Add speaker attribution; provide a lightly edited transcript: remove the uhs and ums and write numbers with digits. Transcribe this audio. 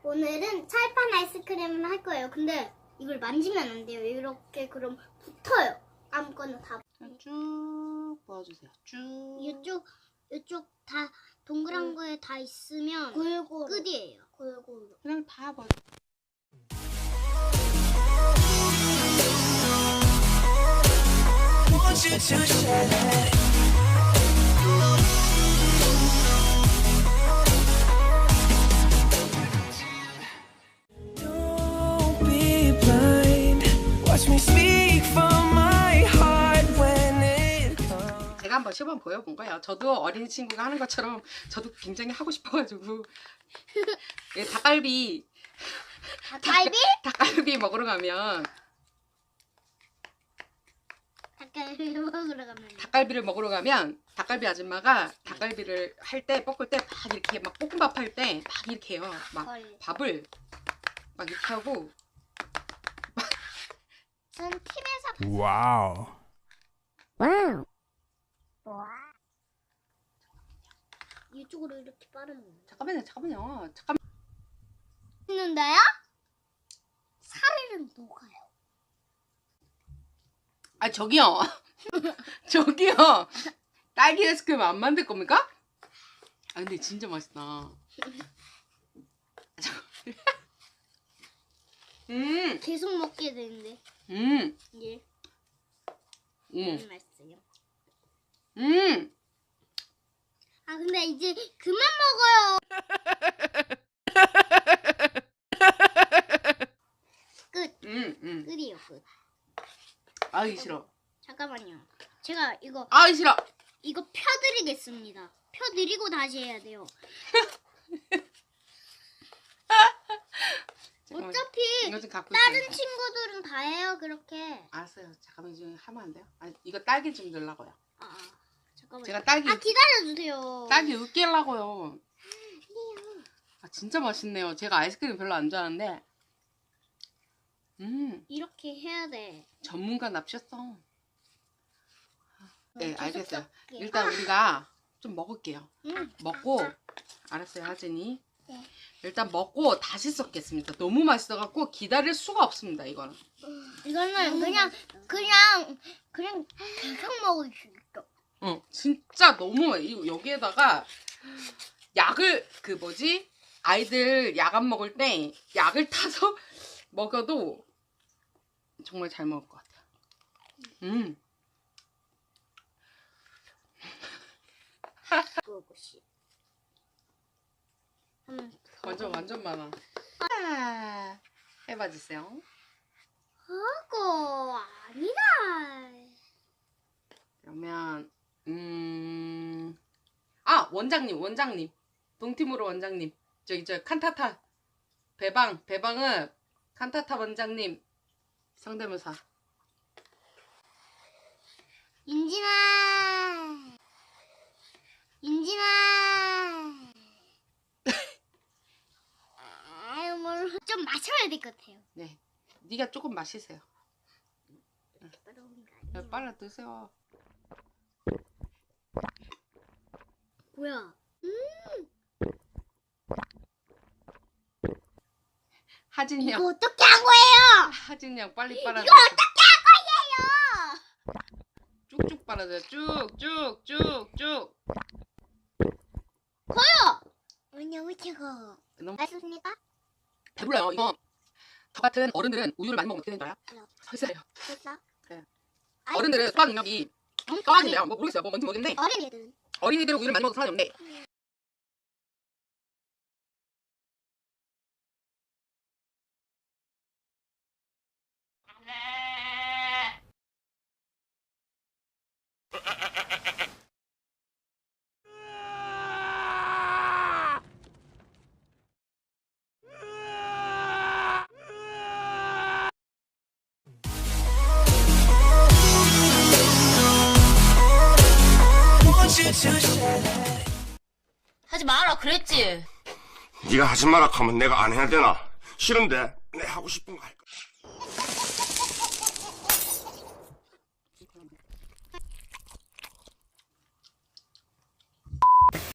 Speaker 1: 오늘은 철판 아이스크림을 할 거예요. 근데 이걸 만지면 안 돼요. 이렇게 그럼 붙어요. 아무거나 다.
Speaker 2: 쭉 모아주세요. 쭉.
Speaker 1: 이쪽 다 동그란 거에 다 있으면 골고루 끝이에요. 골고루.
Speaker 2: 그냥 다 모아. 제가 한번 시범 보여본 거예요. 저도 어린 친구가 하는 것처럼 저도 굉장히 하고 싶어가지고 예, 닭갈비 먹으러 가면 닭갈비를 먹으러 가면 닭갈비 아줌마가 닭갈비를 할 때 볶을 때 막 이렇게 막 볶음밥 할 때 막 이렇게 해요. 막 밥을 막 이렇게 하고
Speaker 1: 전 팀에서
Speaker 3: 와우.
Speaker 1: 이쪽으로 이렇게 빠르는
Speaker 2: 잠깐만요.
Speaker 1: 있는데요? 살은 녹아요.
Speaker 2: 아 저기요. 저기요. 딸기 아이스크림 안 만들 겁니까? 아 근데 진짜 맛있다.
Speaker 1: 계속 먹게 되는데. 예. 맛있어요. 아 근데 이제 그만 먹어요. 끝. 끝이요 끝.
Speaker 2: 아이 싫어.
Speaker 1: 잠깐만요. 제가 이거
Speaker 2: 아이 싫어.
Speaker 1: 이거 펴드리겠습니다. 펴드리고 다시 해야 돼요. 어차피
Speaker 2: 이거 좀 갖고
Speaker 1: 다른
Speaker 2: 있어요.
Speaker 1: 친구들은 다 해요 그렇게.
Speaker 2: 알았어요. 잠깐만 좀 하면 안 돼요? 아 이거 딸기 좀 넣으려고요.
Speaker 1: 잠깐만.
Speaker 2: 제가 딸기
Speaker 1: 기다려주세요.
Speaker 2: 딸기 으깨려고요. 아 진짜 맛있네요. 제가 아이스크림 별로 안 좋아하는데
Speaker 1: 이렇게 해야 돼.
Speaker 2: 전문가 납셨어. 네 알겠어요.
Speaker 1: 섞게.
Speaker 2: 일단 우리가 좀 먹을게요.
Speaker 1: 응.
Speaker 2: 먹고 알았어요 하진이.
Speaker 1: 네.
Speaker 2: 일단 먹고 다시 섞겠습니다. 너무 맛있어갖고 기다릴 수가 없습니다. 이거는.
Speaker 1: 이거는 그냥 계속 먹을 수 있어.
Speaker 2: 진짜 너무 여기에다가 약을 아이들 약 안 먹을 때 약을 타서 먹어도 정말 잘 먹을 것 같아요. 완전 많아. 해봐 주세요.
Speaker 1: 그거 아니다.
Speaker 2: 그러면 원장님 동팀으로 원장님 저 칸타타 배방은 칸타타 원장님 성대모사.
Speaker 1: 인진아 좀 마셔야 될 것 같아요.
Speaker 2: 네, 네가 조금 마시세요.
Speaker 1: 따라오는 거 아니에요?
Speaker 2: 빨리 드세요.
Speaker 1: 뭐야?
Speaker 2: 하진이
Speaker 1: 이거
Speaker 2: 형,
Speaker 1: 어떻게 한 거예요?
Speaker 2: 하진이 형 빨리 빨아.
Speaker 1: 이거 어떻게 한 거예요?
Speaker 2: 쭉쭉 빨아줘요. 쭉쭉쭉쭉.
Speaker 1: 너무 최고.
Speaker 2: 너무
Speaker 1: 맛있습니까?
Speaker 2: 배불러요. 이거 저 같은 어른들은 우유를 많이 먹으면 어떻게 되는 거야? 설사해요.
Speaker 1: 됐어?
Speaker 2: 그래. 어른들은 소화 능력이 떨어진대요. 뭐 모르겠어요. 뭐 뭔지 모르겠는데
Speaker 1: 어린이들은
Speaker 2: 어린이들은 우유를 많이 먹어서 소화이 없는데
Speaker 4: 하지 마라 그랬지.
Speaker 5: 네가 하지 마라 하면 내가 안 해야 되나? 싫은데 내 하고 싶은 거 할 거야.